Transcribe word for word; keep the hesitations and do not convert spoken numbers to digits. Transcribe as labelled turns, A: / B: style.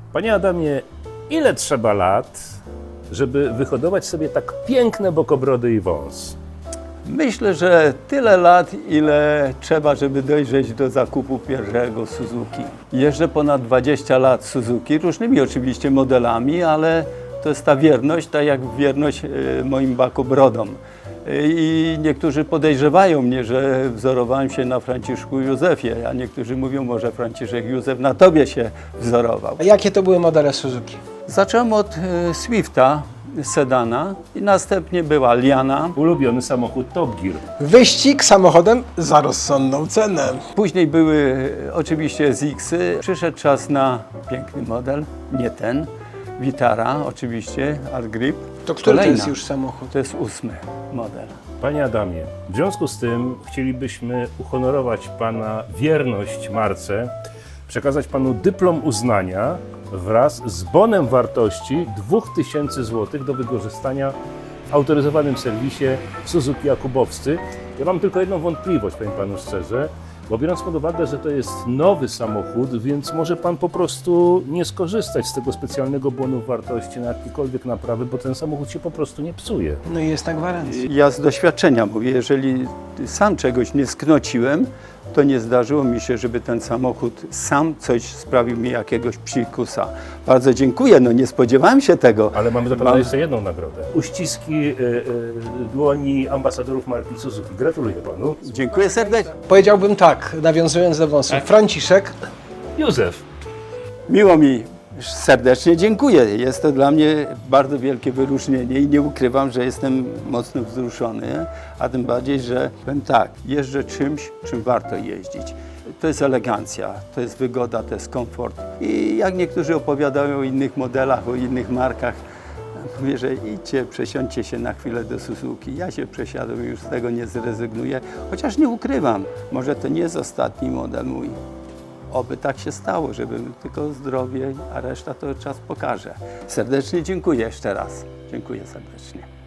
A: Panie Adamie, ile trzeba lat, żeby wyhodować sobie tak piękne bokobrody i wąs?
B: Myślę, że tyle lat, ile trzeba, żeby dojrzeć do zakupu pierwszego Suzuki. Jeżdżę ponad dwadzieścia lat Suzuki, różnymi oczywiście modelami, ale to jest ta wierność, tak jak wierność e, moim bakobrodom. E, I niektórzy podejrzewają mnie, że wzorowałem się na Franciszku Józefie, a niektórzy mówią, może Franciszek Józef na tobie się wzorował.
C: A jakie to były modele Suzuki?
B: Zacząłem od e, Swifta, sedana, i następnie była Liana.
A: Ulubiony samochód Top Gear.
C: Wyścig samochodem za rozsądną cenę.
B: Później były e, oczywiście S X-y. Przyszedł czas na piękny model, nie ten, Vitara oczywiście, Art Grip.
C: To który to
B: Kolejna.
C: jest już samochód?
B: To jest ósmy model.
A: Panie Adamie, w związku z tym chcielibyśmy uhonorować Pana wierność marce, przekazać Panu dyplom uznania wraz z bonem wartości dwa tysiące złotych do wykorzystania w autoryzowanym serwisie Suzuki Jakubowscy. Ja mam tylko jedną wątpliwość, powiem Panu szczerze, bo biorąc pod uwagę, że to jest nowy samochód, więc może Pan po prostu nie skorzystać z tego specjalnego bonu wartości na jakiekolwiek naprawy, bo ten samochód się po prostu nie psuje.
C: No i jest na gwarancji.
B: Ja z doświadczenia mówię, jeżeli sam czegoś nie sknociłem, to nie zdarzyło mi się, żeby ten samochód sam coś sprawił mi jakiegoś psikusa. Bardzo dziękuję, no nie spodziewałem się tego.
A: Ale mamy dla Pana
B: Mam-
A: jeszcze jedną nagrodę. Uściski y, y, dłoni ambasadorów marki Suzuki. Gratuluję Panu.
B: Dziękuję serdecznie.
C: Powiedziałbym tak, nawiązując do wąsów. Franciszek,
A: Józef.
B: Miło mi, serdecznie dziękuję. Jest to dla mnie bardzo wielkie wyróżnienie i nie ukrywam, że jestem mocno wzruszony, a tym bardziej, że powiem tak, jeżdżę czymś, czym warto jeździć. To jest elegancja, to jest wygoda, to jest komfort. I jak niektórzy opowiadają o innych modelach, o innych markach, mówię, że idźcie, przesiądźcie się na chwilę do Suzuki. Ja się przesiadłem i już z tego nie zrezygnuję, chociaż nie ukrywam, może to nie jest ostatni model mój. Oby tak się stało, żebym tylko zdrowie, a reszta to czas pokaże. Serdecznie dziękuję jeszcze raz. Dziękuję serdecznie.